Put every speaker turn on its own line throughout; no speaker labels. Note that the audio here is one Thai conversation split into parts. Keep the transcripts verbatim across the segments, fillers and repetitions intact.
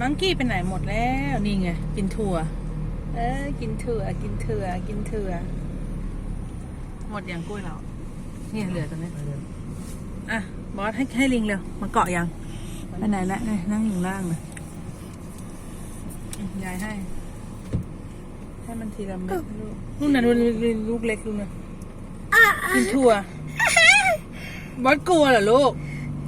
มังกี้ไปไหนหมดแล้วนี่ไงกินถั่วเออกินถั่วกินถั่วกินถั่วหมดอย่างกล้วยเราเนี่ยเหลือตรงนี้อ่ะบอสให้ให้ลิงเร็วมาเกาะยังไปไหนละนี่นั่งอยู่ล่างเลยยายให้ให้มันทีละเม็ดลูกนู่นน่ะนู่นลูกเล็กลูกน่ะกินถั่วบอสกลัวเหรอลูก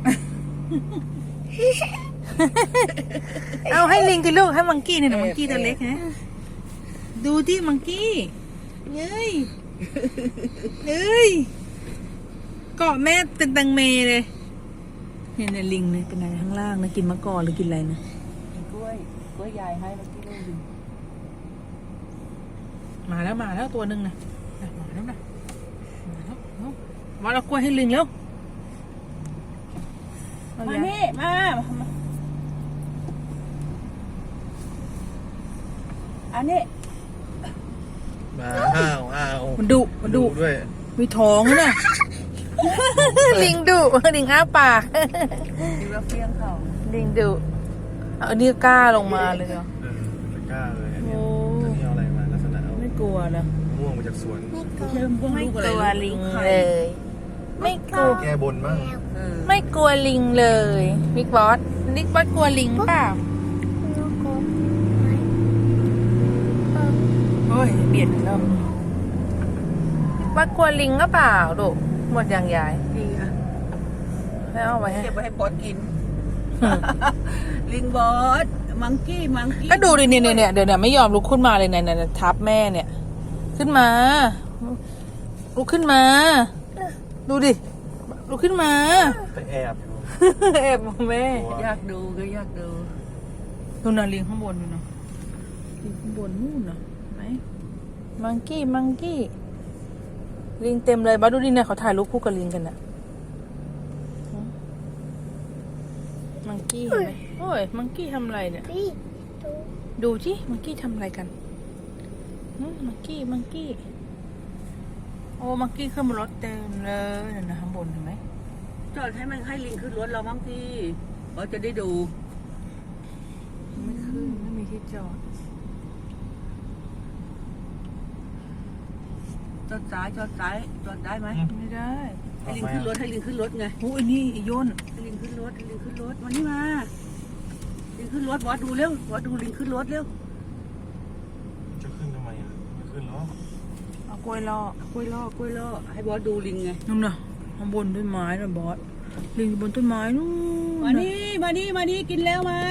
เอาให้ลิงกินลูกให้มังกี้เนี่ยมังกี้ตัวเล็กนะดูที่มังกี้เย้ยเย้ยเกาะแม่เป็นตังเมเลยเนี่ยเนี่ยลิงเนี่ยเป็นอะไรข้างล่างนะกินมะกอกหรือกินอะไรนะ
กล้วยกล้วยยายให้เมื่อกี้ลูกหนึ่ง
มาแล้วมาแล้วตัวหนึ่งนะมาแล้วนะมาแล้วมาเอากล้วยให้ลิงแล้ว
มานี่มาอันนี้
มาห้าวอ้าว
มันดุมันดุ
ด้วย
มีท้องนะ ลิงดุลิงอ้าปาก
ดูแล้วเฟี้ยงเขา
ลิงดุเอาอันนี้กล้าลงมาเลยเหรอ
เออไม่กล้าเลยอัน
โอ้
เนี้ยอันนี้เอาอะไรมาลักษณะเอา
ไม่กลัวนะ
ม่วงมาจากสวน
เริ่มพวก
ไม่
ลูก
ก
อะไร
ลัวลิง
ไข่
เลย ไม่กลัว
แก้บนบ้าง
เออ
ไม่กลัวลิงเลยบิ๊กบอสบิ๊กบอสกลัวลิงเปล่าโอ้ยเบียดแล้วบิ๊กบอสกลัวลิงก็เปล่าดูหมดอย่างใหญ่
ดีอ่ะ
ให้เอาไว้ให้
เก็บไว้ให้บอสกิน ลิงบอสมังกี้มังกี้
ก็ดูดิเนี่ยเนี่ยเดี๋ยวเนี่ยไม่ยอมลุกขึ้นมาเลยเนี่ยเนี่ยทับแม่เนี่ย ขึ้นมาลุกขึ้นมา ดูดิลุกขึ้นมา
ไปแอบอยู่
แอบมองแม่
อยากดูก็อยากดู
ดูน่ะลิงข้างบนดูนะลิงข้างบนนู่นน่ะไหมมังกี้มังกี้ลิงเต็มเลยบ้าดูดิเนี่ยเขาถ่ายรูปคู่กับลิงกันน่ะมังกี้เห็นไหมโอ้ยมังกี้ทำอะไรเนี่ยดูสิมังกี้ทำอะไรกันอืมมังกี้มังกี้โอ้มังกี้ขึ้นบนรถเต็มเลยนั่นนะข้างบนเห็นไหม
จอดให้มันให้ลิงขึ้นรถเราบ้างพี่บอสจะได้ดู
ไม่ขึ้นไม่มีที่จอด
จอดซ้ายจอดซ้ายจอดได้ไหม
ไม่ได้
ให้ลิงขึ้นรถให้ลิงขึ้นรถไง
โอ้ยนี่ไอ้ย่น
ให้ลิงขึ้นรถให้ลิงขึ้นรถมานี่มาลิงขึ้นรถบอสดูเร็วบอสดูลิงขึ้นรถเร็ว
จะขึ้นทำไมอ่ะไม่ขึ้นหรอก
เอากล้วยล่อก
ล้วยล่อกล้วยล่อให้บอสดูลิงไง
นู่นน่ะข้างบนต้นไม้น่ะบอสลิงอยู่บนต้นไม้นู่น
มา
น่ะ
นี่มานี่มานี่กินแล้วมา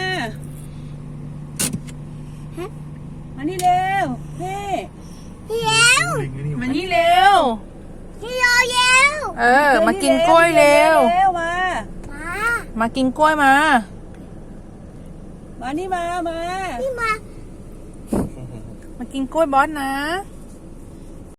มานี่เร็วเฮ้
ลิงไอ้นี่
มานี่เร็ว
พี่โยเยว
เออ มากินกล้วยเร็ว
เร็วมา
มา
มากินกล้วยมา
มานี่มามา
พี่มา
มากินกล้วยบอสนะ
พ